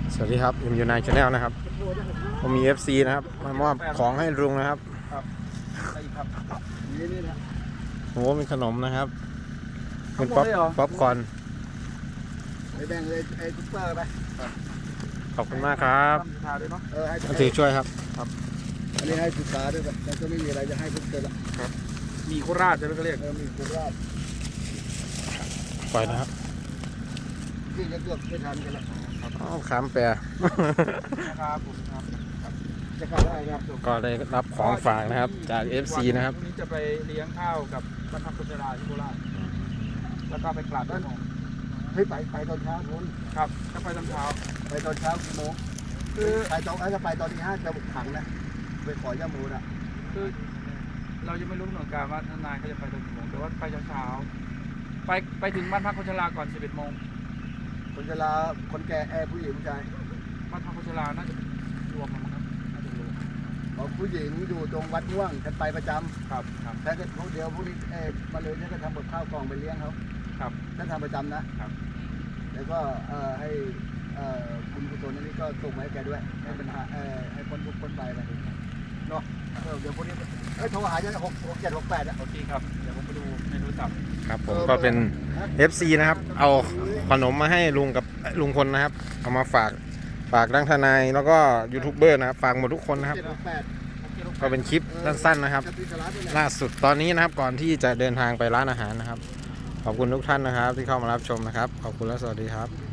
สวัสดีครับอยู่ในชาแนลนะครับผมมี FC นะครับมามอบของให้ลุงนะครับครับอะไรอีกครับนี่นะโอ้มีขนมนะครับเป็นทั้งหมดเลยเหรอป๊อปคอร์นไปแบ่งเลยไอ้ซุปเปอร์ไปขอบคุณมากครับทาด้วยเนาะให้มาถือช่วยครับอันนี้ให้ศึกษาด้วยแต่ก็ไม่มีอะไรจะให้ทุกคนละมีโคราชใช่ไหมเขาเรียกมีโคราชปล่อยนะครับที่จะเกือบไม่ทันกันละอ้าวขามแปรนะครับผมครับจะเข้าได้ครับก็ได้รับของฝากนะครับจาก FC นะครับพรุ่งนี้จะไปเลี้ยงข้าวกับบรรพบุรุษที่โคราชแล้วก็ไปกราบท่านของเฮ้ยไปตอนเช้าคุณครับจะไปตอนเช้าไปตอนเช้ากี่โมงคือไปตอนถ้าไปตอนที่5จะบุกขังนะไปขอย่ามูนะคือเรายังไม่รู้กำหนดการว่าทนายเขาจะไปตอนกี่โมงแต่ว่าไปเช้าๆไปถึงบ้านพักคนชราก่อน 11 โมงคนจะลาคนแก่ผู้หญิงผู้ชายบ้านพักคนชราน่าจะรวมกันมั้งครับน่าจะรวมผู้หญิงอยู่ตรงวัดม่วงฉันไปประจำครับครับถ้าเกิดเดี๋ยวพวกนี้มาเลยฉันก็ทำกับข้าวกล่องไปเลี้ยงเขาครับฉันทำประจำนะครับ แล้วก็ให้คุณกุศลนี่ก็ส่งมาให้แกด้วยให้ปัญหาให้พ้นทุกพ้นไปเนาะเดี๋ยวพวกนี้โทรหาจะ6768อ่ะโอเคครับเดี๋ยวผมไปดูในโทรศัพท์ครับผมก็เป็น FC นะครับเอาขนมมาให้ลุงกับลุงพลนะครับเอามาฝากดังทนายแล้วก็ยูทูบเบอร์นะครับฝากหมดทุกคนนะครับ 768 ก็เป็นคลิปสั้นๆนะครับ ล่าสุดตอนนี้นะครับก่อนที่จะเดินทางไปร้านอาหารนะครับขอบคุณทุกท่านนะครับที่เข้ามารับชมนะครับขอบคุณและสวัสดีครับ